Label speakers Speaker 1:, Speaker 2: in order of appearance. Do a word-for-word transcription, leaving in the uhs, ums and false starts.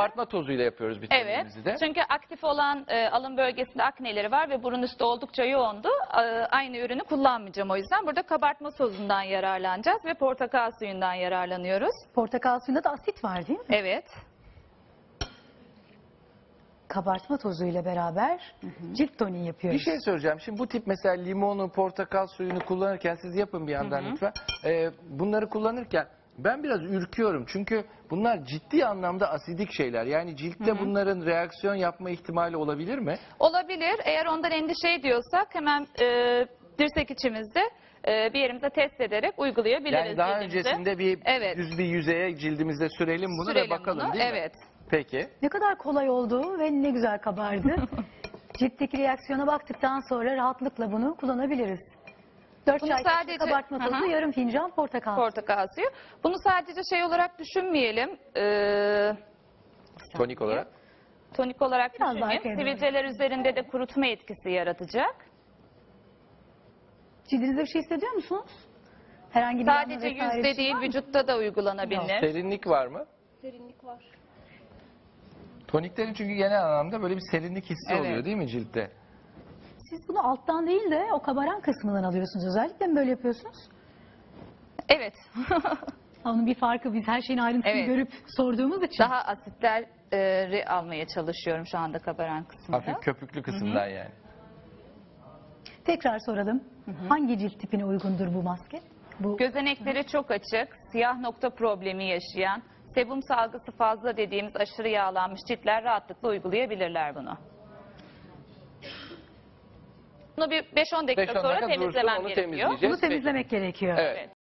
Speaker 1: kabartma tozuyla yapıyoruz
Speaker 2: Evet.
Speaker 1: vitaminimizi de.
Speaker 2: Çünkü aktif olan e, alın bölgesinde akneleri var ve burun üstü oldukça yoğundu. E, aynı ürünü kullanmayacağım o yüzden. Burada kabartma tozundan yararlanacağız ve portakal suyundan yararlanıyoruz.
Speaker 3: Portakal suyunda da asit var değil mi?
Speaker 2: Evet.
Speaker 3: Kabartma tozuyla beraber cilt toniği
Speaker 1: Bir
Speaker 3: yapıyoruz.
Speaker 1: şey soracağım. Şimdi bu tip mesela limonu, portakal suyunu kullanırken siz yapın bir yandan lütfen. Ee, bunları kullanırken ben biraz ürküyorum. Çünkü bunlar ciddi anlamda asidik şeyler. Yani ciltte bunların reaksiyon yapma ihtimali olabilir mi?
Speaker 2: Olabilir. Eğer ondan endişe ediyorsak hemen e, dirsek içimizde e, bir yerimize test ederek uygulayabiliriz.
Speaker 1: Yani daha
Speaker 2: cildimize.
Speaker 1: öncesinde bir
Speaker 2: Evet.
Speaker 1: düz bir yüzeye cildimizde sürelim bunu
Speaker 2: Sürelim
Speaker 1: ve bakalım
Speaker 2: bunu.
Speaker 1: değil mi?
Speaker 2: Evet.
Speaker 1: Peki.
Speaker 3: Ne kadar kolay oldu ve ne güzel kabardı. Ciltteki reaksiyona baktıktan sonra rahatlıkla bunu kullanabiliriz. dört
Speaker 2: Bunu
Speaker 3: çay kaşığı
Speaker 2: sadece-
Speaker 3: kabartma
Speaker 2: Hı hı.
Speaker 3: tozu, yarım fincan portakal.
Speaker 2: Portakal suyu. Bunu sadece şey olarak düşünmeyelim. E,
Speaker 1: Tonik olarak.
Speaker 2: tonik olarak
Speaker 3: Biraz daha
Speaker 2: düşünmeyelim.
Speaker 3: kendine.
Speaker 2: Sivilceler üzerinde de kurutma etkisi yaratacak.
Speaker 3: Cildinizde bir şey hissediyor musunuz? Herhangi bir yanma
Speaker 2: Sadece
Speaker 3: vesaire bir
Speaker 2: yüzde
Speaker 3: şey
Speaker 2: değil
Speaker 3: var mı?
Speaker 2: vücutta da uygulanabilir.
Speaker 1: Serinlik var mı?
Speaker 4: Serinlik var.
Speaker 1: Toniklerin çünkü genel anlamda böyle bir serinlik hissi
Speaker 2: Evet.
Speaker 1: oluyor değil mi ciltte?
Speaker 3: Siz bunu alttan değil de o kabaran kısmından alıyorsunuz. Özellikle mi böyle yapıyorsunuz?
Speaker 2: Evet.
Speaker 3: Onun bir farkı, biz her şeyin ayrıntısını
Speaker 2: Evet.
Speaker 3: görüp sorduğumuz için.
Speaker 2: Daha asitleri almaya çalışıyorum şu anda kabaran kısmında.
Speaker 1: Hafif köpüklü kısımdan yani.
Speaker 3: Tekrar soralım. Hangi cilt tipine uygundur bu maske? Bu
Speaker 2: Gözenekleri çok açık, siyah nokta problemi yaşayan, sebum salgısı fazla dediğimiz aşırı yağlanmış ciltler rahatlıkla uygulayabilirler bunu. Bunu bir beş on dakika
Speaker 1: beş on
Speaker 2: sonra
Speaker 1: dakika dursun,
Speaker 2: temizlemem
Speaker 1: onu
Speaker 2: gerekiyor.
Speaker 1: temizleyeceğiz.
Speaker 3: bunu temizlemek gerekiyor.
Speaker 1: Evet.